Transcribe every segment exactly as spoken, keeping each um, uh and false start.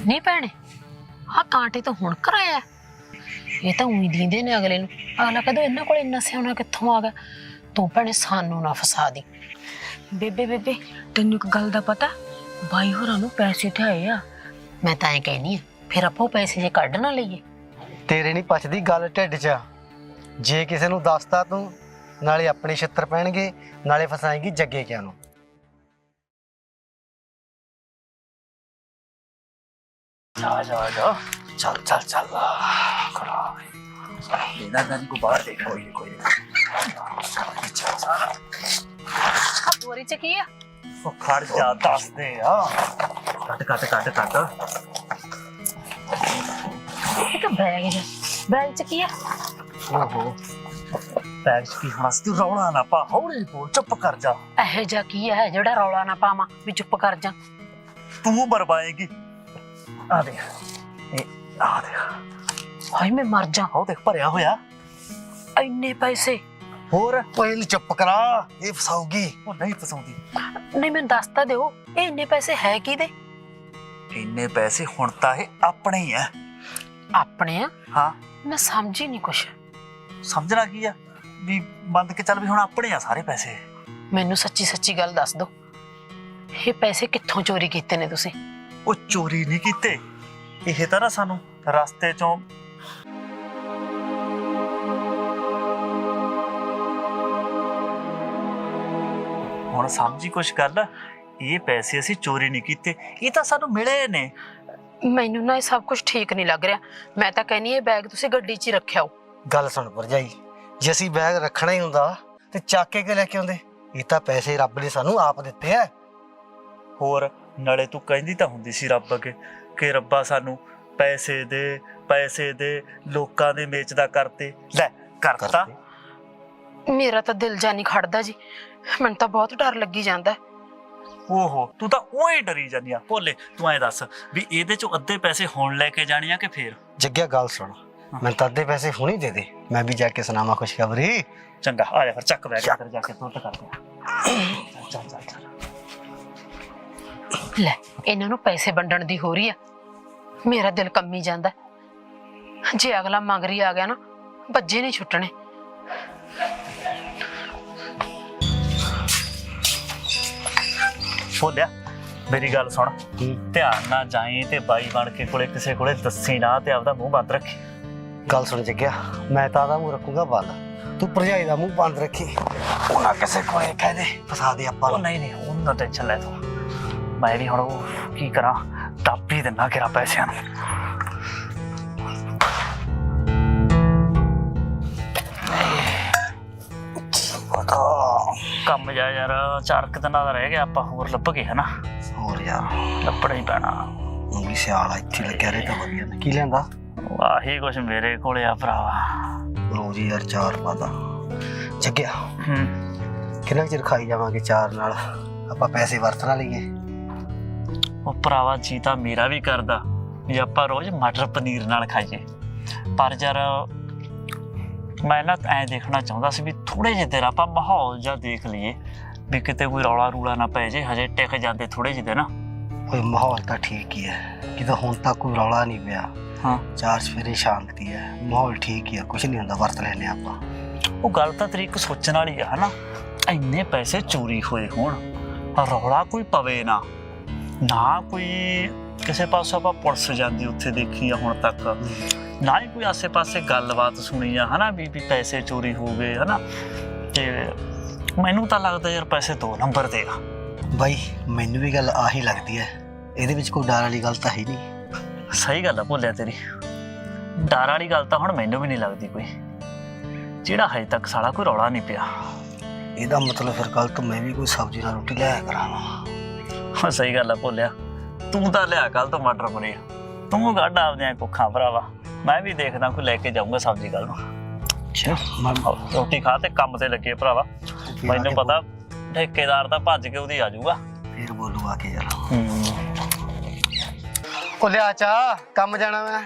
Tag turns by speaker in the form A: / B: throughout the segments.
A: नहीं भैने आ कांटे तो हुण कराया ये तो उई दींदे ने अगले नूं अगला कदों इन्हां कोल इन्ना सियाणा कित्थों आ गया तू भैने सानू ना फसा दी
B: बेबे बेबे तेन एक गल दा पता भाई होरां नूं पैसे ते आए आ
A: मैं तां ऐ कहनी आ फिर आपो पैसे जे कढ ना लईए
C: तेरे नहीं पचदी गल ढिड च जे किसे नूं दसदा तू नाले अपने छित्तर पैणगे नाले फसाएगी जग्गे क्या नूं
D: जा जा जा चल चल चल खड़ा बिना गन को बाहर देख कोई नहीं कोई नहीं चल सारा
A: बोरी च की आ
D: ओ खड़ जा दस दे यार कट कट कट कट
A: ये तो बैग है बैग च की आ
D: ओहो बैग की हंस तू रौला ना पा हौली बोल चुप कर जा
A: एह जा की है जेड़ा रौला ना पावां भी चुप कर जा
D: तू बरबाएगी आ देख ए आ देख
A: हाय मैं मर जा
D: हो देख भरिया होया
A: इन्ने पैसे
D: होर
C: ओए चुप करा ये फसाऊगी
D: ਉਹ ਨਹੀਂ ਫਸਾਉਂਦੀ
A: नहीं मैं दस ता दिओ ए इन्ने पैसे है की दे
D: ਇੰਨੇ ਪੈਸੇ ਹੁਣ ਤਾਂ ਇਹ ਆਪਣੇ ਹੀ ਆ
A: अपने आ
D: ਹਾਂ
A: मैं समझी नहीं कुछ
D: ਸਮਝਣਾ ਕੀ ਆ ਵੀ ਬੰਦ ਕੇ ਚੱਲ ਵੀ ਹੁਣ ਆਪਣੇ ਆ ਸਾਰੇ ਪੈਸੇ
A: मैनू सच्ची सच्ची गल दस दो ये पैसे कित्थों चोरी कीते ने तुसी
D: ਉਹ ਚੋਰੀ ਨਹੀਂ ਕੀਤੇ ਇਹ ਤਾਂ ਨਾ ਸਾਨੂੰ ਰਸਤੇ ਚੋਂ ਹੁਣ ਸਮਝੀ ਕੁਛ ਗੱਲ ਇਹ ਪੈਸੇ ਅਸੀਂ ਚੋਰੀ ਨਹੀਂ ਕੀਤੇ ਇਹ ਤਾਂ ਸਾਨੂੰ ਮਿਲੇ ਨੇ
A: मैनू ना ये सब कुछ ठीक नहीं लग रहा मैं तो कहनी है बैग तुसी गड्डी च ही रखिया हो
C: गल सुन भरजाई जे असीं बैग रखना ही हुंदा ते ਚੱਕ ਕੇ ਲੈ ਕੇ ਆਉਂਦੇ ਇਹ ਤਾਂ ਪੈਸੇ ਰੱਬ ਨੇ ਸਾਨੂੰ ਆਪ ਦਿੱਤੇ ਆ
D: ਹੋਰ ਨਾਲੇ ਤੂੰ ਕਹਿੰਦੀ ਤਾਂ ਹੁੰਦੀ ਸੀ ਰੱਬ ਅੱਗੇ ਕਿ ਰੱਬਾ ਸਾਨੂੰ ਪੈਸੇ ਦੇ ਪੈਸੇ ਦੇ ਲੋਕਾਂ ਦੇ ਵੇਚਦਾ ਕਰਤੇ ਲੈ ਕਰਤਾ
A: मेरा तो दिल जा नहीं खड़दा जी मैनू तो बहुत डर लगी जांदा
D: ਓਹੋ ਤੂੰ ਤਾਂ ਉਹੀ ਡਰੀ ਜਾਂਦੀ ਆ ਭੋਲੇ ਤੂੰ ਐ ਦੱਸ ਵੀ ਇਹਦੇ ਚੋਂ ਅੱਧੇ ਪੈਸੇ ਹੁਣ ਲੈ ਕੇ ਜਾਣੇ ਆ ਕਿ ਫੇਰ
C: ਜੱਗਿਆ ਗੱਲ ਸੁਣ ਮੈਂ ਤਾਂ ਅੱਧੇ ਪੈਸੇ ਹੁਣੇ ਦੇ ਦੇ ਮੈਂ ਵੀ ਜਾ ਕੇ ਸੁਣਾਵਾਂ ਖੁਸ਼ਖਬਰੀ
D: ਚੰਗਾ ਆ ਜਾ ਫਿਰ ਚੱਕ ਬੈਗ ਕਰ ਜਾ ਕੇ ਤੁਰਤ ਕਰਦੇ ਆ ਚੱਲ ਚੱਲ ਚੱਲ
A: ਲੈ ਇਹਨਾਂ ਨੂੰ ਪੈਸੇ ਵੰਡਣ ਦੀ ਹੋ ਰਹੀ ਆ ਮੇਰਾ ਦਿਲ ਕੰਮੀ ਜਾਂਦਾ ਜੇ ਅਗਲਾ ਮੰਗਰੀ ਆ ਗਿਆ ਨਾ ਬੱਜੇ ਨਹੀਂ ਛੁੱਟਣੇ
D: ਭੋਲਿਆ ਮੇਰੀ ਗੱਲ ਸੁਣ ਧਿਆਨ ਨਾਲ ਜਾਈਂ ਤੇ ਬਾਈ ਬਣ ਕੇ ਕੋਲੇ ਕਿਸੇ ਕੋਲੇ ਦੱਸੀ ਨਾ ਤੇ ਆਪਦਾ ਮੂੰਹ ਬੰਦ ਰੱਖੀ
C: ਗੱਲ ਸੁਣ ਜੱਗਿਆ ਮੈਂ ਤਾਂ ਦਾ ਮੂੰਹ ਰੱਖੂਗਾ ਬੰਦ ਤੂੰ ਭਰਜਾਈ ਦਾ ਮੂੰਹ ਬੰਦ ਰੱਖੀ ਉਹਨਾਂ ਕਿਸੇ ਕੋਲੇ ਕਹਿ ਦੇ ਫਸਾ ਦੇ ਆਪਾਂ
D: ਉਹ ਨਹੀਂ ਨਹੀਂ ਉਹਨਾਂ ਟੈਨਸ਼ਨ ਲੈ ਤੂੰ ਮੈਂ ਵੀ ਹੁਣ ਉਹ ਕੀ ਕਰਾਂ ਟਾਪੀ ਦਿੰਨਾ ਕਿਰਾ ਪੈਸਿਆਂ ਨੂੰ ਕੰਮ ਜਾ ਯਾਰ ਚਾਰ ਕੁ ਦਿਨਾਂ ਦਾ ਰਹਿ ਗਿਆ ਆਪਾਂ ਹੋਰ ਲੱਭ ਗਏ ਹਨਾ
C: ਹੋਰ ਯਾਰ
D: ਲੱਭਣਾ ਹੀ ਪੈਣਾ
C: ਉਹ ਵੀ ਸਿਆਲ ਇੱਥੇ ਲੱਗਿਆ ਰਹੇ ਤਾਂ ਵਧੀਆ ਨੇ ਕੀ ਲੈਂਦਾ
D: ਆਹੀ ਕੁਛ ਮੇਰੇ ਕੋਲੇ ਆ ਭਰਾਵਾ
C: ਰੋਜ਼ ਯਾਰ ਚਾਰ ਪਾਦਾ ਜੱਗਿਆ
D: ਹੂੰ
C: ਕਿੰਨਾ ਚਿਰ ਖਾਈ ਜਾਵਾਂਗੇ ਚਾਰ ਨਾਲ ਆਪਾਂ ਪੈਸੇ ਵਰਤਣਾ ਲਈਏ
D: ਉਹ ਭਰਾਵਾ ਜੀ ਤਾਂ ਮੇਰਾ ਵੀ ਕਰਦਾ ਵੀ ਆਪਾਂ ਰੋਜ਼ ਮਟਰ ਪਨੀਰ ਨਾਲ ਖਾਈਏ ਪਰ ਯਾਰ ਮੈਂ ਨਾ ਐਂ ਦੇਖਣਾ ਚਾਹੁੰਦਾ ਸੀ ਵੀ ਥੋੜੇ ਜਿਹੇ ਦੇਰ ਆਪਾਂ ਮਾਹੌਲ ਜਿਹਾ ਦੇਖ ਲਈਏ ਵੀ ਕਿਤੇ ਕੋਈ ਰੌਲਾ ਰੂਲਾ ਨਾ ਪੈ ਜੇ ਹਜੇ ਟਿਕ ਜਾਂਦੇ ਥੋੜੇ ਜਿਹੇ ਨਾ
C: ਕੋਈ ਮਾਹੌਲ ਤਾਂ ਠੀਕ ਹੀ ਹੈ ਕਿਤੇ ਹੁਣ ਤੱਕ ਕੋਈ ਰੌਲਾ ਨਹੀਂ ਪਿਆ
D: ਹਾਂ
C: ਚਾਰ ਸਵੇਰੇ ਸ਼ਾਂਤੀ ਹੈ ਮਾਹੌਲ ਠੀਕ ਹੀ ਆ ਕੁਝ ਨਹੀਂ ਹੁੰਦਾ ਵਰਤ ਲੈਨੇ ਆਪਾਂ
D: ਉਹ ਗੱਲ ਤਾਂ ਤੇਰੀ ਇੱਕ ਸੋਚਣ ਵਾਲੀ ਆ ਹਨਾ ਇੰਨੇ ਪੈਸੇ ਚੋਰੀ ਹੋਏ ਹੋਣ ਰੌਲਾ ਕੋਈ ਪਵੇ ਨਾ ਨਾ ਕੋਈ ਕਿਸੇ ਪਾਸੋਂ ਆਪਾਂ ਪੁਲਿਸ ਜਾਂਦੀ ਉੱਥੇ ਦੇਖੀ ਆ ਹੁਣ ਤੱਕ ਨਾ ਹੀ ਕੋਈ ਆਸੇ ਪਾਸੇ ਗੱਲਬਾਤ ਸੁਣੀ ਆ ਹਨਾ ਵੀ ਵੀ ਪੈਸੇ ਚੋਰੀ ਹੋ ਗਏ ਹਨਾ ਤੇ ਮੈਨੂੰ ਤਾਂ ਲੱਗਦਾ ਯਾਰ ਪੈਸੇ ਦੋ ਨੰਬਰ ਦੇ ਆ
C: ਬਾਈ ਮੈਨੂੰ ਵੀ ਗੱਲ ਆਹੀ ਲੱਗਦੀ ਹੈ ਇਹਦੇ ਵਿੱਚ ਕੋਈ ਡਰ ਵਾਲੀ ਗੱਲ ਤਾਂ ਹੈ ਨਹੀਂ
D: ਸਹੀ ਗੱਲ ਆ ਭੁੱਲਿਆ ਤੇਰੀ ਡਰ ਵਾਲੀ ਗੱਲ ਤਾਂ ਹੁਣ ਮੈਨੂੰ ਵੀ ਨਹੀਂ ਲੱਗਦੀ ਕੋਈ ਜਿਹੜਾ ਹਜੇ ਤੱਕ ਸਾਲਾ ਕੋਈ ਰੌਲਾ ਨਹੀਂ ਪਿਆ
C: ਇਹਦਾ ਮਤਲਬ ਫਿਰ ਕੱਲ ਤੋਂ ਮੈਂ ਵੀ ਕੋਈ ਸਬਜ਼ੀ ਨਾਲ ਰੋਟੀ ਲਿਆਇਆ ਕਰਾਂਗਾ
D: ਸਹੀ ਗੱਲ ਆ ਭੁੱਲਿਆ ਤੂੰ ਤਾਂ ਲਿਆ ਕੱਲ ਤੋਂ ਮਟਰ ਪਨੀਰ ਤੂੰ ਕੱਢ ਆਪਦੀਆਂ ਕੁੱਖਾਂ ਭਰਾਵਾ ਮੈਂ ਵੀ ਦੇਖਦਾ ਕੋਈ ਲੈ ਕੇ ਜਾਊਂਗਾ ਸਬਜ਼ੀ ਕੱਲ ਨੂੰ ਰੋਟੀ ਖਾ ਤੇ ਕੰਮ ਤੇ ਲੱਗੇ ਭਰਾਵਾ ਮੈਨੂੰ ਪਤਾ ਠੇਕੇਦਾਰ ਤਾਂ ਭੱਜ ਕੇ ਉਹਦੀ ਆ ਜਾਊਗਾ
C: ਫਿਰ ਬੋਲੂ ਆ ਕੇ ਯਾਰ
D: ਹੂੰ
C: ਉਹ ਲਿਆ ਚਾ ਕੰਮ ਜਾਣਾ ਮੈਂ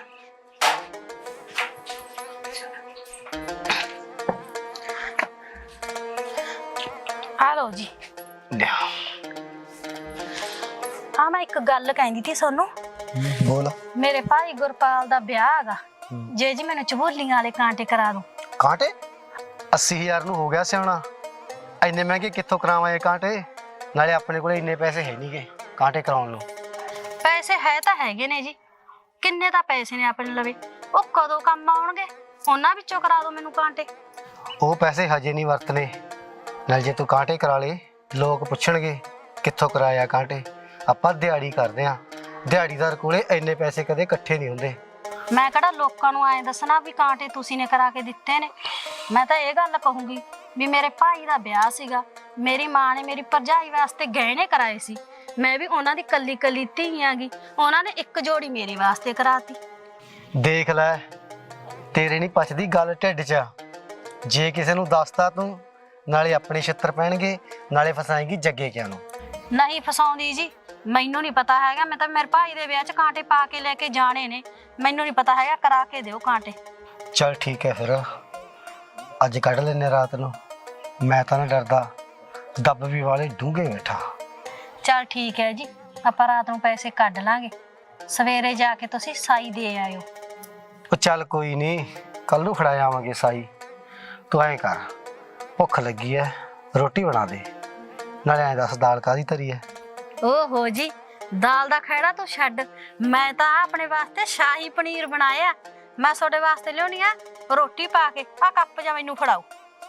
B: ਆ ਲਓ ਜੀ
C: ਲਿਆ
B: ਹਾਂ ਮੈਂ ਇੱਕ ਗੱਲ ਕਹਿੰਦੀ ਸੀ ਤੁਹਾਨੂੰ
C: ਬੋਲ।
E: ਮੇਰੇ ਭਾਈ ਗੁਰਪਾਲ ਦਾ ਵਿਆਹ ਹੈਗਾ, ਜੇ ਜੀ ਮੈਨੂੰ ਚਬੋਲੀਆਂ ਵਾਲੇ ਕਾਂਟੇ ਕਰਾ ਦੋ।
C: ਕਾਂਟੇ ਅੱਸੀ ਹਜ਼ਾਰ ਨੂੰ ਹੋ ਗਿਆ ਸਿਆਣਾ, ਇੰਨੇ ਮਹਿੰਗੇ ਕਿੱਥੋਂ ਕਰਾਵਾਂ ਇਹ ਕਾਂਟੇ? ਨਾਲੇ ਆਪਣੇ ਕੋਲ ਇੰਨੇ ਪੈਸੇ ਹੈ ਨਹੀਂਗੇ ਕਾਂਟੇ ਕਰਾਉਣ ਨੂੰ।
E: ਪੈਸੇ ਹੈ ਤਾਂ ਹੈਗੇ ਨੇ ਜੀ, ਕਿੰਨੇ ਤਾਂ ਪੈਸੇ ਨੇ ਆਪਣੇ ਲਵੇ, ਉਹ ਕਦੋਂ ਕੰਮ ਆਉਣਗੇ? ਉਹਨਾਂ ਵਿੱਚੋਂ ਕਰਾ ਦੋ ਮੈਨੂੰ ਕਾਂਟੇ।
C: ਉਹ ਪੈਸੇ ਹਜੇ ਨਹੀਂ ਵਰਤਨੇ, ਨਾਲ ਜੇ ਤੂੰ ਕਾਂਟੇ ਕਰਾ ਲੇ ਲੋਕ ਪੁੱਛਣਗੇ ਕਿੱਥੋਂ ਕਰਾਇਆ ਕਾਂਟੇ। ਆਪਾਂ ਦਿਹਾੜੀ ਕਰਦੇ ਆਂ, ਦਿਹਾੜੀਦਾਰ ਕੋਲੇ ਇੰਨੇ ਪੈਸੇ ਕਦੇ ਇਕੱਠੇ ਨਹੀਂ ਹੁੰਦੇ।
E: ਮੈਂ ਕਿਹੜਾ ਲੋਕਾਂ ਨੂੰ ਐਂ ਦੱਸਣਾ ਵੀ ਕਾਂਟੇ ਤੁਸੀਂ ਨੇ ਕਰਾ ਕੇ ਦਿੱਤੇ ਨੇ। ਮੈਂ ਤਾਂ ਇਹ ਗੱਲ ਕਹੂੰਗੀ ਵੀ ਮੇਰੇ ਭਾਈ ਦਾ ਵਿਆਹ ਸੀਗਾ, ਮੇਰੀ ਮਾਂ ਨੇ ਮੇਰੀ ਭਰਜਾਈ ਵਾਸਤੇ ਗਹਿਣੇ ਕਰਾਏ ਸੀ, ਮੈਂ ਵੀ ਉਹਨਾਂ ਦੀ ਕੱਲੀ ਕੱਲੀ ਧੀ ਆਂਗੀ, ਉਹਨਾਂ ਨੇ ਇੱਕ ਜੋੜੀ ਮੇਰੇ ਵਾਸਤੇ ਕਰਾਤੀ।
C: ਦੇਖ ਲੈ, ਤੇਰੇ ਨਹੀਂ ਪਚਦੀ ਗੱਲ ਢਿੱਡ 'ਚ। ਜੇ ਕਿਸੇ ਨੂੰ ਦੱਸਤਾ ਤੂੰ ਨਾਲੇ ਆਪਣੇ ਛਿੱਤਰ ਪੈਣਗੇ, ਨਾਲੇ ਫਸਾਏਂਗੀ ਜੱਗੇ ਕਿਆਂ ਨੂੰ।
E: ਨਹੀਂ ਫਸਾਉਂਦੀ ਜੀ, ਮੈਨੂੰ ਨਹੀਂ ਪਤਾ ਹੈਗਾ, ਮੈਂ ਤਾਂ ਮੇਰੇ ਭਾਈ ਦੇ ਵਿਆਹ 'ਚ ਕਾਂਟੇ ਪਾ ਕੇ ਲੈ ਕੇ ਜਾਣੇ ਨੇ, ਮੈਨੂੰ ਨਹੀਂ ਪਤਾ ਹੈਗਾ, ਕਰਾ ਕੇ ਦਿਓ ਕਾਂਟੇ।
C: ਚੱਲ ਠੀਕ ਹੈ ਫਿਰ, ਅੱਜ ਕੱਢ ਲੈਨੇ ਰਾਤ ਨੂੰ। ਮੈਂ ਤਾਂ ਨਾ ਡਰਦਾ, ਦੱਬ ਵੀ ਵਾਲੇ ਡੂੰਘੇ ਬੈਠਾ।
E: ਚੱਲ ਠੀਕ ਹੈ ਜੀ, ਆਪਾਂ ਰਾਤ ਨੂੰ ਪੈਸੇ ਕੱਢ ਲਾਂਗੇ, ਸਵੇਰੇ ਜਾ ਕੇ ਤੁਸੀਂ ਸਾਈ ਦੇ ਆਇਓ।
C: ਉਹ ਚੱਲ ਕੋਈ ਨਹੀਂ, ਕੱਲ ਨੂੰ ਫੜਾ ਆਵਾਂਗੇ ਸਾਈ। ਤੂੰ ਐਂ ਕਰ, ਭੁੱਖ ਲੱਗੀ ਐ, ਰੋਟੀ ਬਣਾ ਦੇ, ਨਾਲੇ ਐਂ ਦੱਸ ਦਾਲ ਕਾਹਦੀ ਧਰੀ ਐ?
E: ਓਹੋ ਜੀ, ਦਾਲ ਦਾ ਖਹਿੜਾ ਤੂੰ ਛੱਡ, ਮੈਂ ਤਾਂ ਆਪਣੇ ਵਾਸਤੇ ਸ਼ਾਹੀ ਪਨੀਰ ਬਣਾਇਆ, ਮੈਂ ਤੁਹਾਡੇ ਵਾਸਤੇ ਲਿਆਉਣੀ ਆ ਰੋਟੀ ਪਾ ਕੇ। ਆ ਕੱਪ ਜਾ ਮੈਨੂੰ ਫੜਾਓ।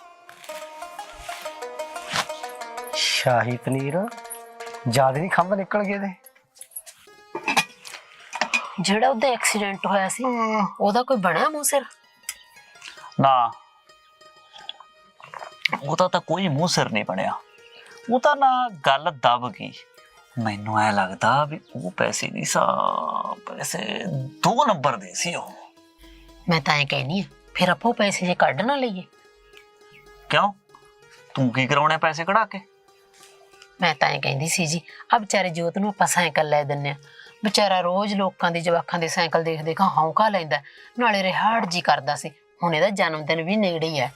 C: ਸ਼ਾਹੀ ਪਨੀਰ? ਜ਼ਿਆਦਾ ਨਹੀਂ ਖੰਭ ਨਿਕਲ ਗਏ ਤੇ?
A: ਜਿਹੜਾ ਉਹਦਾ ਐਕਸੀਡੈਂਟ ਹੋਇਆ ਸੀ ਉਹਦਾ ਕੋਈ ਬਣਿਆ ਮੂੰਹ ਸਿਰ?
D: ਨਾ, ਉਹਦਾ ਤਾਂ ਕੋਈ ਮੂੰਹ ਸਿਰ ਨਹੀਂ ਬਣਿਆ, ਉਹ ਤਾਂ ਨਾ ਗੱਲ ਦਬ ਗਈ। ਮੈਨੂੰ ਐ ਲੱਗਦਾ ਵੀ ਉਹ ਪੈਸੇ ਨਹੀਂ ਸਾ, ਪੈਸੇ ਦੋ ਨੰਬਰ ਦੇ ਸੀ ਉਹ।
A: ਮੈਂ ਤਾਂ ਐਂ ਕਹਿਨੀ ਆ, ਫਿਰ ਆਪਾਂ ਉਹ ਪੈਸੇ ਜੇ ਕੱਢ ਨਾ ਲਈਏ।
D: ਕਿਉਂ, ਤੂੰ ਕੀ ਕਰਾਉਣੇ ਪੈਸੇ ਕਢਾ ਕੇ?
A: ਮੈਂ ਤਾਂ ਐਂ ਕਹਿੰਦੀ ਸੀ ਜੀ, ਆ ਵਿਚਾਰੇ ਜੋਤ ਨੂੰ ਆਪਾਂ ਸਾਈਕਲ ਲੈ ਦਿੰਨੇ ਆ, ਵਿਚਾਰਾ ਰੋਜ਼ ਲੋਕਾਂ ਦੇ ਜਵਾਕਾਂ ਦੇ ਸਾਈਕਲ ਦੇਖ ਦੇਖ ਹੌਂਕਾ ਲੈਂਦਾ, ਨਾਲੇ ਰਿਹਾੜ ਜੀ ਕਰਦਾ ਸੀ। ਹੁਣ ਇਹਦਾ ਜਨਮ ਦਿਨ ਵੀ ਨੇੜੇ ਹੀ ਹੈ।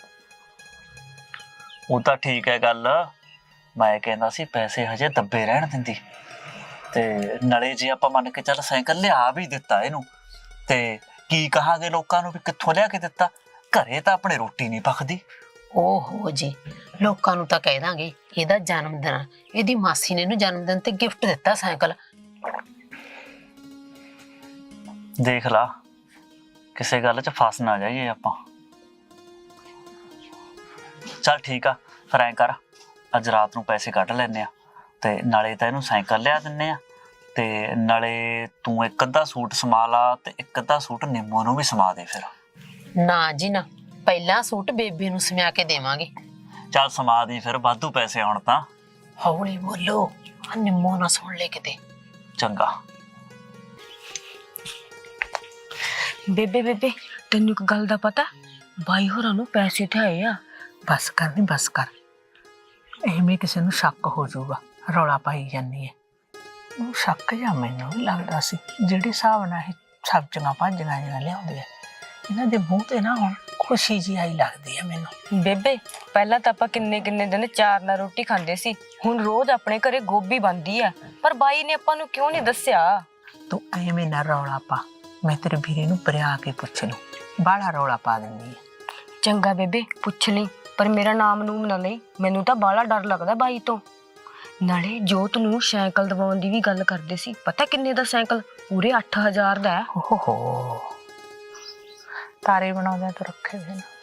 D: ਉਹ ਤਾਂ ਠੀਕ ਹੈ ਗੱਲ, ਮੈਂ ਕਹਿੰਦਾ ਸੀ ਪੈਸੇ ਹਜੇ ਦੱਬੇ ਰਹਿਣ ਦਿੰਦੀ, ਤੇ ਨਾਲੇ ਜੇ ਆਪਾਂ ਮੰਨ ਕੇ ਚੱਲ ਸਾਈਕਲ ਲਿਆ ਵੀ ਦਿੱਤਾ ਇਹਨੂੰ, ਤੇ ਕੀ ਕਹਾਂਗੇ ਲੋਕਾਂ ਨੂੰ ਵੀ ਕਿੱਥੋਂ ਲਿਆ ਕੇ ਦਿੱਤਾ? ਘਰੇ ਤਾਂ ਆਪਣੇ ਰੋਟੀ ਨਹੀਂ ਪੱਕਦੀ।
A: ਓਹੋ ਜੀ, ਲੋਕਾਂ ਨੂੰ ਤਾਂ ਕਹਿ ਦਾਂਗੇ ਇਹਦਾ ਜਨਮ ਦਿਨ ਆ, ਇਹਦੀ ਮਾਸੀ ਨੇ ਇਹਨੂੰ ਜਨਮ ਦਿਨ ਤੇ ਗਿਫਟ ਦਿੱਤਾ ਸਾਈਕਲ।
D: ਦੇਖ ਲਾ, ਕਿਸੇ ਗੱਲ 'ਚ ਫਸ ਨਾ ਜਾਈਏ ਆਪਾਂ। ਚੱਲ ਠੀਕ ਆ, ਫਿਰ ਐਂ ਕਰ, ਅੱਜ ਰਾਤ ਨੂੰ ਪੈਸੇ ਕੱਢ ਲੈਨੇ ਆ, ਤੇ ਨਾਲੇ ਤਾਂ ਇਹਨੂੰ ਸਾਈਕਲ ਲਿਆ ਦਿੰਨੇ ਆ, ਤੇ ਨਾਲੇ ਤੂੰ ਇੱਕ ਅੱਧਾ ਸੂਟ ਸਮਾ ਲਾ, ਤੇ ਇੱਕ ਅੱਧਾ ਸੂਟ ਨਿੰਮੋ ਨੂੰ ਵੀ ਸਮਾ ਦੇ ਫਿਰ।
A: ਨਾ ਜੀ ਨਾ, ਪਹਿਲਾਂ ਸੂਟ ਬੇਬੀ ਨੂੰ ਸਮਿਆ ਕੇ ਦੇਵਾਂਗੇ।
D: ਚੱਲ ਸਮਾ ਦੀ ਫਿਰ, ਵਾਧੂ ਪੈਸੇ ਆਉਣ ਤਾਂ।
A: ਹੌਲੀ ਬੋਲੋ, ਆ ਨਿੰਮੋ ਨਾ ਸੁਣ ਲੈ ਕਿਤੇ।
D: ਚੰਗਾ।
B: ਬੇਬੇ ਬੇਬੇ ਤੈਨੂੰ ਇੱਕ ਗੱਲ ਦਾ ਪਤਾ, ਬਾਈ ਹੋਰਾਂ ਨੂੰ ਪੈਸੇ ਤੇ ਆਏ ਆ।
A: ਬਸ ਕਰ ਨੀ ਬਸ ਕਰ, ਐਵੇਂ ਕਿਸੇ ਨੂੰ ਸ਼ੱਕ ਹੋ ਜਾਊਗਾ, ਰੌਲਾ ਪਾਈ ਜਾਂਦੀ ਹੈ। ਉਹ ਸ਼ੱਕ ਜਾਂ ਮੈਨੂੰ ਵੀ ਲੱਗਦਾ ਸੀ, ਜਿਹੜੇ ਹਿਸਾਬ ਨਾਲ ਇਹ ਸਬਜ਼ੀਆਂ ਭਾਜੀਆਂ ਜਿਹੀਆਂ ਲਿਆਉਂਦੇ ਆ, ਇਹਨਾਂ ਦੇ ਮੂੰਹ ਤੇ ਨਾ ਹੁਣ ਖੁਸ਼ੀ ਜੀ ਆਈ ਲੱਗਦੀ ਹੈ ਮੈਨੂੰ।
B: ਬੇਬੇ ਪਹਿਲਾਂ ਤਾਂ ਆਪਾਂ ਕਿੰਨੇ ਕਿੰਨੇ ਦਿਨ ਚਾਰ ਨਾਲ ਰੋਟੀ ਖਾਂਦੇ ਸੀ, ਹੁਣ ਰੋਜ਼ ਆਪਣੇ ਘਰੇ ਗੋਭੀ ਬਣਦੀ ਆ, ਪਰ ਬਾਈ ਨੇ ਆਪਾਂ ਨੂੰ ਕਿਉਂ ਨਹੀਂ ਦੱਸਿਆ?
A: ਤੂੰ ਐਵੇਂ ਨਾ ਰੌਲਾ ਪਾ, ਮੈਂ ਤੇਰੇ ਵੀਰੇ ਨੂੰ ਪਰਿਆ ਕੇ ਪੁੱਛ ਲੂੰ, ਬਾਹਲਾ ਰੌਲਾ ਪਾ ਦਿੰਦੀ ਹੈ।
B: ਚੰਗਾ ਬੇਬੇ ਪੁੱਛ ਲਈ, ਪਰ ਮੇਰਾ ਨਾਮ ਨੂਮ ਨਾ ਲਈ, ਮੈਨੂੰ ਤਾਂ ਬਾਹਲਾ ਡਰ ਲੱਗਦਾ ਬਾਈ ਤੋਂ। ਨਾਲੇ ਜੋਤ ਨੂੰ ਸਾਈਕਲ ਦਵਾਉਣ ਦੀ ਵੀ ਗੱਲ ਕਰਦੇ ਸੀ, ਪਤਾ ਕਿੰਨੇ ਦਾ ਸਾਈਕਲ? ਪੂਰੇ ਅੱਠ ਹਜ਼ਾਰ ਦਾ ਹੈ।
A: ਓਹੋ, ਤਾਰੇ ਬਣਾਉਂਦੇ ਤਾਂ ਰੱਖੇ ਹੋਏ ਨੇ।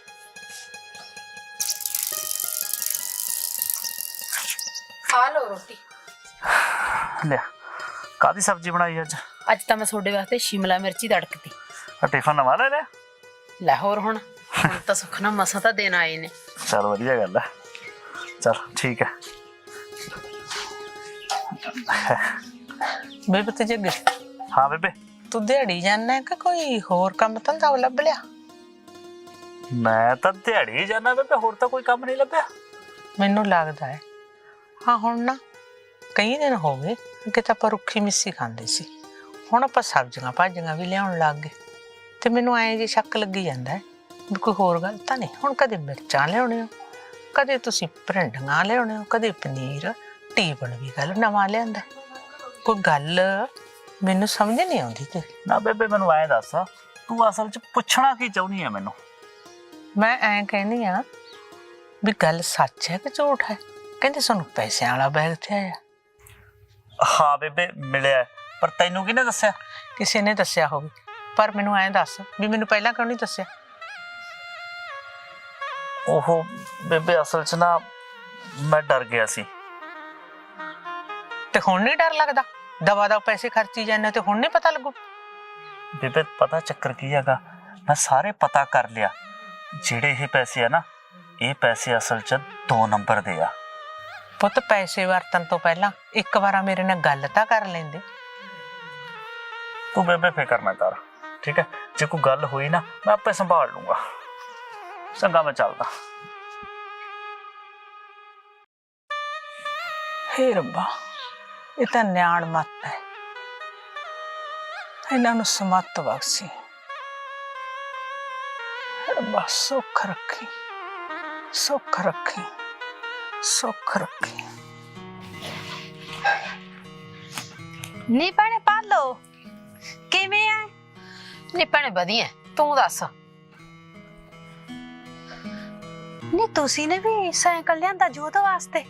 A: ਆ ਲੋ ਰੋਟੀ।
D: ਲਿਆ, ਕਾਹਦੀ ਸਬਜ਼ੀ ਬਣਾਈ ਅੱਜ?
A: ਅੱਜ ਤਾਂ ਮੈਂ ਤੁਹਾਡੇ ਵਾਸਤੇ ਸ਼ਿਮਲਾ ਮਿਰਚੀ ਤੜਕਤੀ।
D: ਆ ਟਿਫਨ ਨਵਾਂ ਲੈ ਲਿਆ?
A: ਲੈ ਹੋਰ ਹੁਣ ਹੁਣ ਤਾਂ ਸੁਖਨਾ ਮਸਾਂ ਤਾਂ ਦੇਣ ਆਏ ਨੇ।
D: ਚਲ ਵਧੀਆ ਗੱਲ ਹੈ, ਚਲ ਠੀਕ ਹੈ।
F: ਬੇਬੇ ਤੇ ਜੱਗੇ,
D: ਹਾਂ ਬੇਬੇ।
F: ਤੂੰ ਦਿਹਾੜੀ ਜਾਣਾ ਕਿ ਕੋਈ ਹੋਰ ਕੰਮ ਧੰਦਾ ਲੱਭ ਲਿਆ?
D: ਮੈਂ ਤਾਂ ਦਿਹਾੜੀ ਜਾਣਾ ਬੇਬੇ, ਹੋਰ ਤਾਂ ਕੋਈ ਕੰਮ ਨਹੀਂ ਲੱਭਿਆ।
F: ਮੈਨੂੰ ਲੱਗਦਾ ਹੈ ਹਾਂ, ਹੁਣ ਨਾ ਕਈ ਦਿਨ ਹੋ ਗਏ ਕਿ ਤਾਂ ਆਪਾਂ ਰੁੱਖੀ ਮਿੱਸੀ ਖਾਂਦੇ ਸੀ, ਹੁਣ ਆਪਾਂ ਸਬਜ਼ੀਆਂ ਭਾਜੀਆਂ ਵੀ ਲਿਆਉਣ ਲੱਗ ਗਏ, ਤੇ ਮੈਨੂੰ ਐਂ ਜੀ ਸ਼ੱਕ ਲੱਗੀ ਜਾਂਦਾ ਹੈ ਵੀ ਕੋਈ ਹੋਰ ਗੱਲ ਤਾਂ ਨਹੀਂ। ਹੁਣ ਕਦੇ ਮਿਰਚਾਂ ਲਿਆਉਣੇ ਹੋ, ਕਦੇ ਤੁਸੀਂ ਭਰਿੰਡੀਆਂ ਲਿਆਉਣੇ ਹੋ, ਕਦੇ ਪਨੀਰ, ਟੀਵਨ ਵੀ ਗੱਲ ਨਵਾਂ ਲਿਆਂਦਾ, ਕੋਈ ਗੱਲ? ਮੈਨੂੰ ਸਮਝ ਨਹੀਂ ਆਉਂਦੀ ਤੇ
D: ਨਾ ਬੇਬੇ ਮੈਨੂੰ ਐਂ ਦੱਸ ਤੂੰ ਅਸਲ 'ਚ ਪੁੱਛਣਾ ਕੀ ਚਾਹੁੰਦੀ ਹੈ ਮੈਨੂੰ?
F: ਮੈਂ ਐਂ ਕਹਿੰਦੀ ਆ ਵੀ ਗੱਲ ਸੱਚ ਹੈ ਕਿ ਝੂਠ ਹੈ? ਕਹਿੰਦੇ ਸਾਨੂੰ ਪੈਸਿਆਂ ਵਾਲਾ ਬੈਗ ਤੇ ਆਇਆ।
D: ਹਾਂ ਬੇਬੇ ਮਿਲਿਆ, ਪਰ ਤੈਨੂੰ ਕਿਹਨੇ ਦੱਸਿਆ?
F: ਕਿਸੇ ਨੇ ਦੱਸਿਆ ਹੋਵੇ, ਪਰ ਮੈਨੂੰ ਐਂ ਦੱਸ ਵੀ ਮੈਨੂੰ ਪਹਿਲਾਂ ਕਿਉਂ ਨਹੀਂ ਦੱਸਿਆ?
D: ਉਹ ਬੇਬੇ ਅਸਲ 'ਚ ਨਾ ਮੈਂ ਡਰ ਗਿਆ ਸੀ।
F: ਤੇ ਹੁਣ ਨਹੀਂ ਡਰ ਲੱਗਦਾ? ਦਵਾ ਦਾ ਪੈਸੇ ਖਰਚੀ ਜਾਂਦੇ ਤੇ ਹੁਣ ਨਹੀਂ ਪਤਾ ਲੱਗੂ?
D: ਬੇਬੇ ਪਤਾ ਚੱਕਰ ਕੀ ਹੈਗਾ, ਮੈਂ ਸਾਰੇ ਪਤਾ ਕਰ ਲਿਆ। ਜਿਹੜੇ ਇਹ ਪੈਸੇ ਆ ਨਾ, ਇਹ ਪੈਸੇ ਅਸਲ 'ਚ ਦੋ ਨੰਬਰ ਦੇ ਆ।
F: ਪੁੱਤ ਪੈਸੇ ਵਰਤਣ ਤੋਂ ਪਹਿਲਾਂ ਇੱਕ ਵਾਰ ਮੇਰੇ ਨਾਲ ਗੱਲ ਤਾਂ ਕਰ ਲੈਂਦੇ।
D: ਤੂੰ ਬੇਬੇ ਫਿਕਰ ਨਾ ਕਰ, ਠੀਕ ਹੈ? ਜੇ ਕੋਈ ਗੱਲ ਹੋਈ ਨਾ ਮੈਂ ਆਪੇ ਸੰਭਾਲ ਲੂੰਗਾ। ਚੰਗਾ ਮੈਂ ਚੱਲਦਾ।
F: ਹੇ ਰੱਬਾ, ਇਹ ਤਾਂ ਨਿਆਣ ਮੱਤ ਹੈ, ਇਹਨਾਂ ਨੂੰ ਸਮੱਤ ਬਖਸ਼ੀ। ਰੱਬਾ ਸੁੱਖ ਰੱਖੀ, ਸੁੱਖ ਰੱਖੀ, ਸੁੱਖ ਰੱਖੀ।
E: ਨੀ ਭੈਣੇ ਪਾਲੋ ਕਿਵੇਂ ਆ?
A: ਨੀ ਭੈਣੇ ਵਧੀਆ, ਤੂੰ ਦੱਸ।
E: ਨੀ ਤੁਸੀਂ ਨੇ ਵੀ ਸਾਈਕਲ ਲਿਆਂਦਾ ਜੋਤ ਵਾਸਤੇ?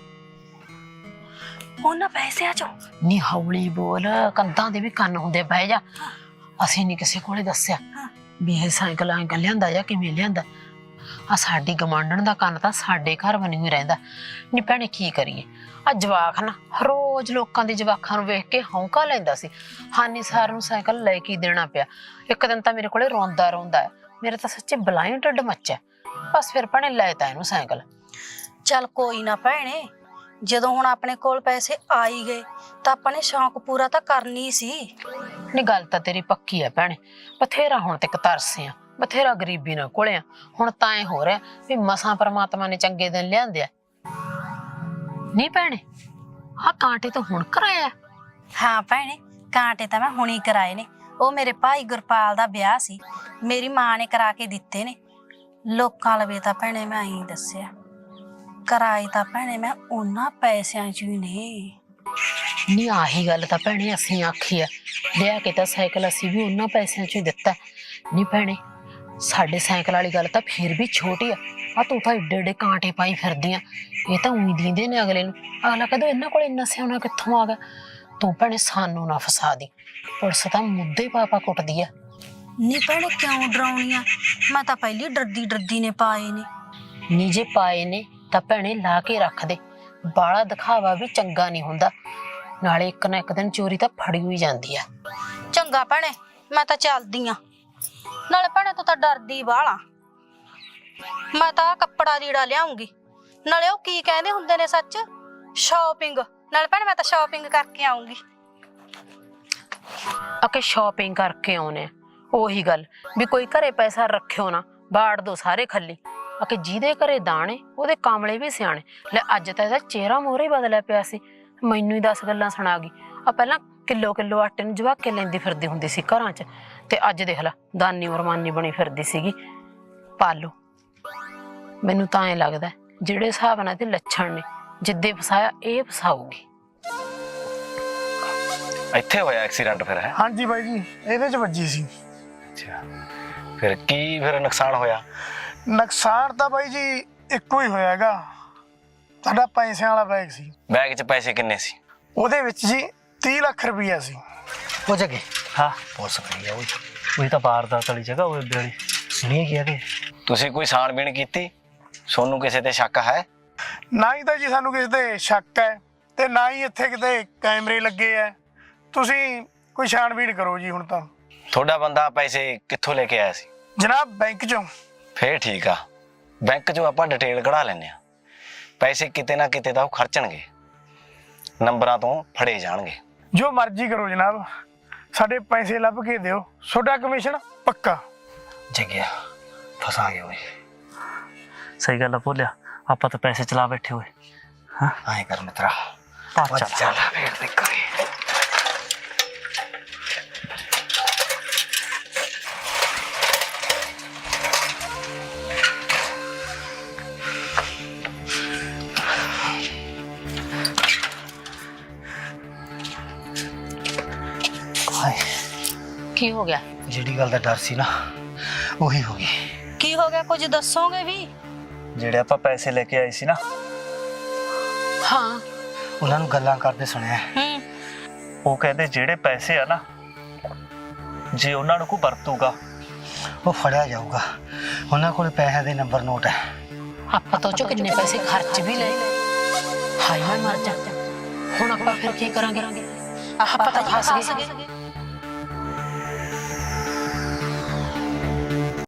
E: ਉਹਨਾਂ ਪੈਸਿਆਂ ਚੋਂ?
A: ਨੀ ਹੌਲੀ ਬੋਲ, ਕੰਧਾਂ ਦੇ ਵੀ ਕੰਨ ਹੁੰਦੇ, ਬਹਿ ਜਾ। ਅਸੀਂ ਨਹੀਂ ਕਿਸੇ ਕੋਲੇ ਦੱਸਿਆ ਵੀ ਇਹ ਸਾਈਕਲ ਐਂ ਲਿਆਂਦਾ ਜਾਂ ਕਿਵੇਂ ਲਿਆਂਦਾ। ਆ ਸਾਡੀ ਗਮਾਂਡਣ ਦਾ ਕੰਨ ਤਾਂ ਸਾਡੇ ਘਰ ਬਣੀ ਹੋਈ ਰਹਿੰਦਾ। ਨੀ ਭੈਣੇ ਕੀ ਕਰੀਏ, ਆ ਜਵਾਕ ਨਾ ਰੋਜ਼ ਲੋਕਾਂ ਦੇ ਜਵਾਕਾਂ ਨੂੰ ਵੇਖ ਕੇ ਹੌਂਕਾ ਲੈਂਦਾ ਸੀ। ਹਾਨੀ ਸਾਰ ਨੂੰ ਸਾਈਕਲ ਲੈ ਕੇ ਦੇਣਾ ਪਿਆ। ਇੱਕ ਦਿਨ ਤਾਂ ਮੇਰੇ ਕੋਲੇ ਰੋਂਦਾ ਰੋਂਦਾ ਹੈ, ਮੇਰੇ ਤਾਂ ਸੱਚੇ ਬਲਾਈ ਢਿੱਡ ਮੱਚਿਆ। ਬਸ ਫਿਰ ਭੈਣੇ ਲੈ ਤਾ ਇਹਨੂੰ ਸਾਈਕਲ।
E: ਚੱਲ ਕੋਈ ਨਾ ਭੈਣੇ, ਜਦੋਂ ਹੁਣ ਆਪਣੇ ਕੋਲ ਪੈਸੇ ਆ ਹੀ ਗਏ ਤਾਂ ਆਪਾਂ ਨੇ ਸ਼ੌਂਕ ਪੂਰਾ ਤਾਂ ਕਰਨੀ ਸੀ।
A: ਨੀ ਗੱਲ ਤਾਂ ਤੇਰੀ ਪੱਕੀ ਹੈ ਭੈਣੇ, ਬਥੇਰਾ ਹੁਣ ਤੱਕ ਤਰਸੇ ਆ, ਬਥੇਰਾ ਗਰੀਬੀ ਨਾਲ ਕੋਲਿਆ। ਹੁਣ ਤਾਂ ਐ ਹੋ ਰਿਹਾ ਵੀ ਮਸਾਂ ਪਰਮਾਤਮਾ ਨੇ ਚੰਗੇ ਦਿਨ ਲਿਆਂਦੇ ਆ। ਨਹੀਂ ਭੈਣੇ, ਆਹ ਕਾਂਟੇ ਤਾਂ ਹੁਣ ਕਰਾਇਆ?
E: ਹਾਂ ਭੈਣੇ, ਕਾਂਟੇ ਤਾਂ ਮੈਂ ਹੁਣੀ ਕਰਾਏ ਨੇ। ਉਹ ਮੇਰੇ ਭਾਈ ਗੁਰਪਾਲ ਦਾ ਵਿਆਹ ਸੀ, ਮੇਰੀ ਮਾਂ ਨੇ ਕਰਾ ਕੇ ਦਿੱਤੇ ਨੇ। ਲੋਕਾਂ ਲਵੇ ਤਾਂ ਭੈਣੇ ਮੈਂ ਹੀ ਦੱਸਿਆ, ਕਰਾਏ ਤਾਂ ਭੈਣੇ ਮੈਂ ਉਹਨਾਂ ਪੈਸਿਆਂ 'ਚ ਹੀ ਨੇ।
A: ਨਹੀਂ ਆਹੀ ਗੱਲ ਤਾਂ ਭੈਣੇ ਅਸੀਂ ਆਖੀ ਆ, ਲਿਆ ਕੇ ਤਾਂ ਸਾਈਕਲ ਅਸੀਂ ਵੀ ਉਹਨਾਂ ਪੈਸਿਆਂ 'ਚ ਹੀ ਦਿੱਤਾ। ਨਹੀਂ ਭੈਣੇ, ਸਾਡੇ ਸਾਈਕਲ ਵਾਲੀ ਗੱਲ ਤਾਂ ਫਿਰ ਵੀ ਛੋਟੀ ਆ। ਆ ਤੂੰ ਤਾਂ ਏਡੇ ਏਡੇ ਕਾਂਟੇ ਪਾਈ ਫਿਰਦੀ ਆ, ਇਹ ਤਾਂ ਉਹੀ ਦਿੰਦੇ ਨੇ ਅਗਲੇ ਨੂੰ। ਅਗਲਾ ਕਦੋਂ ਇਹਨਾਂ ਕੋਲ ਇੰਨਾ ਸਿਆਣਾ ਕਿੱਥੋਂ ਆ ਗਿਆ? ਤੂੰ ਭੈਣੇ ਸਾਨੂੰ ਨਾ ਫਸਾ ਦੀ, ਪੁਲਿਸ ਤਾਂ ਮੁੱਦੇ ਪਾਪਾ ਕੁੱਟਦੀ ਆ।
E: ਨੀ ਭੈਣੇ ਕਿਉਂ ਡਰਾਉਣੀ ਆ? ਮੈਂ ਤਾਂ ਪਹਿਲੀ ਡਰਦੀ ਡਰਦੀ ਨੇ ਪਾਏ ਨੇ।
A: ਨੀ ਜੇ ਪਾਏ ਨੇ ਤਾਂ ਭੈਣੇ ਲਾ ਕੇ ਰੱਖ ਦੇ, ਬਾਲਾ ਦਿਖਾਵਾ ਵੀ ਚੰਗਾ ਨਹੀਂ ਹੁੰਦਾ। ਨਾਲੇ ਇੱਕ ਨਾ ਇੱਕ ਦਿਨ ਚੋਰੀ ਤਾਂ ਫੜੀ ਹੋਈ ਜਾਂਦੀ ਆ।
E: ਚੰਗਾ ਭੈਣੇ, ਮੈਂ ਤਾਂ ਚੱਲਦੀ ਆ। ਨਾਲੇ ਭੈਣੇ ਤੂੰ ਤਾਂ ਡਰਦੀ ਬਾਹਲਾ। ਮੈਂ ਤਾਂ ਕੱਪੜਾ ਲੀੜਾ ਲਿਆਉਂਗੀ, ਨਾਲੇ ਉਹ ਕੀ ਕਹਿੰਦੇ ਹੁੰਦੇ ਨੇ ਸੱਚ, ਸ਼ਾਪਿੰਗ। ਨਾਲੇ ਭੈਣੇ ਮੈਂ ਤਾਂ ਸ਼ਾਪਿੰਗ ਕਰਕੇ ਆਉਂਗੀ।
A: ਅਕੇ ਸ਼ਾਪਿੰਗ ਕਰਕੇ ਆਉਨੇ ਆ, ਉਹੀ ਗੱਲ ਵੀ ਕੋਈ ਘਰੇ ਪੈਸਾ ਰੱਖਿਓ ਨਾ, ਬਾੜ ਦੋ ਸਾਰੇ ਖੱਲੀ। ਅਕੇ ਜਿਹਦੇ ਘਰੇ ਦਾਣੇ ਉਹਦੇ ਕਾਮਲੇ ਵੀ ਸਿਆਣੇ। ਲੈ ਅੱਜ ਤਾਂ ਇਹਦਾ ਚਿਹਰਾ ਮੋਹਰੇ ਹੀ ਬਦਲਿਆ ਪਿਆ ਸੀ, ਮੈਨੂੰ ਹੀ ਦਸ ਗੱਲਾਂ ਸੁਣਾ ਗਈ। ਆ ਪਹਿਲਾਂ ਕਿਲੋ ਕਿਲੋ ਆਟੇ ਨੂੰ ਜਵਾ ਕੇ ਲੈਂਦੀ ਫਿਰਦੀ ਹੁੰਦੀ ਸੀ ਘਰਾਂ 'ਚ, ਤੇ ਅੱਜ ਦੇਖ ਲਾ ਦਾਨੀ ਮਰਮਾਨੀ ਬਣੀ ਫਿਰਦੀ ਸੀਗੀ। ਪਾਲੋ ਮੈਨੂੰ ਤਾਂ ਐਂ ਲੱਗਦਾ ਜਿਹੜੇ ਹਿਸਾਬ ਨਾਲ ਤੇ ਲੱਛਣ ਨੇ, ਜਿੱਦੇ ਫਸਾਇਆ ਇਹ ਫਸਾਊਗੀ।
G: ਇੱਥੇ ਹੋਇਆ ਐਕਸੀਡੈਂਟ ਫਿਰ? ਹੈ
H: ਹਾਂਜੀ ਬਾਈ ਜੀ, ਇਹਦੇ 'ਚ ਵੱਜੀ ਸੀ।
G: ਅੱਛਾ, ਫਿਰ ਕੀ ਫਿਰ ਨੁਕਸਾਨ ਹੋਇਆ?
H: ਨੁਕਸਾਨ ਤਾਂ ਬਾਈ ਜੀ ਇੱਕੋ ਹੀ ਹੋਇਆ ਹੈਗਾ, ਸਾਡਾ ਪੈਸਿਆਂ ਵਾਲਾ ਬੈਗ ਸੀ।
G: ਬੈਗ 'ਚ ਪੈਸੇ ਕਿੰਨੇ ਸੀ?
H: ਉਹਦੇ ਵਿੱਚ ਜੀ ਤੀਹ ਲੱਖ ਰੁਪਈਆ ਸੀ।
C: ਉਹ ਜਗੇ
D: ਹਾਂ
C: ਪੁਲਿਸ ਖੜੀ ਆ, ਉਹ
D: ਉਹੀ ਤਾਂ ਵਾਰਦਾਤ ਵਾਲੀ ਜਗ੍ਹਾ ਉਹ ਵਾਲੀ।
C: ਸੁਣੀਏ ਕੀ ਆਦੇ?
G: ਤੁਸੀਂ ਕੋਈ ਛਾਣਬੀਣ ਕੀਤੀ? ਸੋਨੂੰ ਕਿਸੇ ਤੇ ਸ਼ੱਕ ਹੈ?
H: ਨਾ ਹੀ ਤਾਂ ਜੀ ਸਾਨੂੰ ਕਿਸੇ ਤੇ ਸ਼ੱਕ ਹੈ, ਤੇ ਨਾ ਹੀ ਇੱਥੇ ਕਿਤੇ ਕੈਮਰੇ ਲੱਗੇ ਐ। ਤੁਸੀਂ ਕੋਈ ਛਾਣਬੀਣ ਕਰੋ ਜੀ ਹੁਣ ਤਾਂ।
G: ਤੁਹਾਡਾ ਬੰਦਾ ਪੈਸੇ ਕਿੱਥੋਂ ਲੈ ਕੇ ਆਇਆ ਸੀ?
H: ਜਨਾਬ ਬੈਂਕ 'ਚੋਂ।
G: ਫੇਰ ਠੀਕ ਆ, ਬੈਂਕ 'ਚੋਂ ਆਪਾਂ ਡਿਟੇਲ ਕਢਾ ਲੈਂਦੇ ਆ। ਪੈਸੇ ਕਿਤੇ ਨਾ ਕਿਤੇ ਤਾਂ ਉਹ ਖਰਚਣਗੇ, ਨੰਬਰਾਂ ਤੋਂ ਫੜੇ ਜਾਣਗੇ।
H: ਜੋ ਮਰਜ਼ੀ ਕਰੋ ਜਨਾਬ, ਸਾਡੇ ਪੈਸੇ ਲੱਭ ਕੇ ਦਿਓ, ਤੁਹਾਡਾ ਕਮਿਸ਼ਨ ਪੱਕਾ।
C: ਜਗਿਆ ਫਸਾ ਗਏ ਓਏ।
D: ਸਹੀ ਗੱਲ ਆ ਭੋਲਿਆ, ਆਪਾਂ ਤਾਂ ਪੈਸੇ ਚਲਾ ਬੈਠੇ ਹੋਏ। ਹਾਂ
C: ਆਏ ਕਰ ਮਿੱਤਰਾ,
D: ਪਾ ਚੱਲ।
C: ਚੱਲ ਵੇੜ ਦੇ ਕਰੇ।
A: ਕੀ ਹੋ ਗਿਆ?
C: ਜਿਹੜੀ ਗੱਲ ਦਾ ਡਰ ਸੀ ਨਾ ਉਹੀ ਹੋ ਗਈ।
E: ਕੀ ਹੋ ਗਿਆ, ਕੁਝ ਦੱਸੋਗੇ ਵੀ?
D: ਜਿਹੜੇ ਆਪਾਂ ਪੈਸੇ ਲੈ ਕੇ ਆਏ ਸੀ ਨਾ,
A: ਹਾਂ।
C: ਉਹਨਾਂ ਨੂੰ ਗੱਲਾਂ ਕਰਦੇ ਸੁਣਿਆ।
E: ਹੂੰ।
D: ਉਹ ਕਹਿੰਦੇ ਜਿਹੜੇ ਪੈਸੇ ਆ ਨਾ, ਜੇ ਉਹਨਾਂ ਨੂੰ ਕੋਈ ਵਰਤੂਗਾ
C: ਉਹ ਫੜਿਆ ਜਾਊਗਾ। ਉਹਨਾਂ ਕੋਲ ਪੈਸਿਆਂ ਦੇ ਨੰਬਰ ਨੋਟ ਹੈ।
A: ਆਪਾਂ ਤੋਂ ਚੋ ਕਿੰਨੇ ਪੈਸੇ ਖਰਚ ਵੀ ਲਏ। ਹਾਏ ਮੈਂ ਮਰ ਜਾ। ਹੁਣ ਆਪਾਂ ਫਿਰ ਕੀ ਕਰਾਂਗੇ? ਆਪਾਂ ਤਾਂ ਫਸ ਗਏ।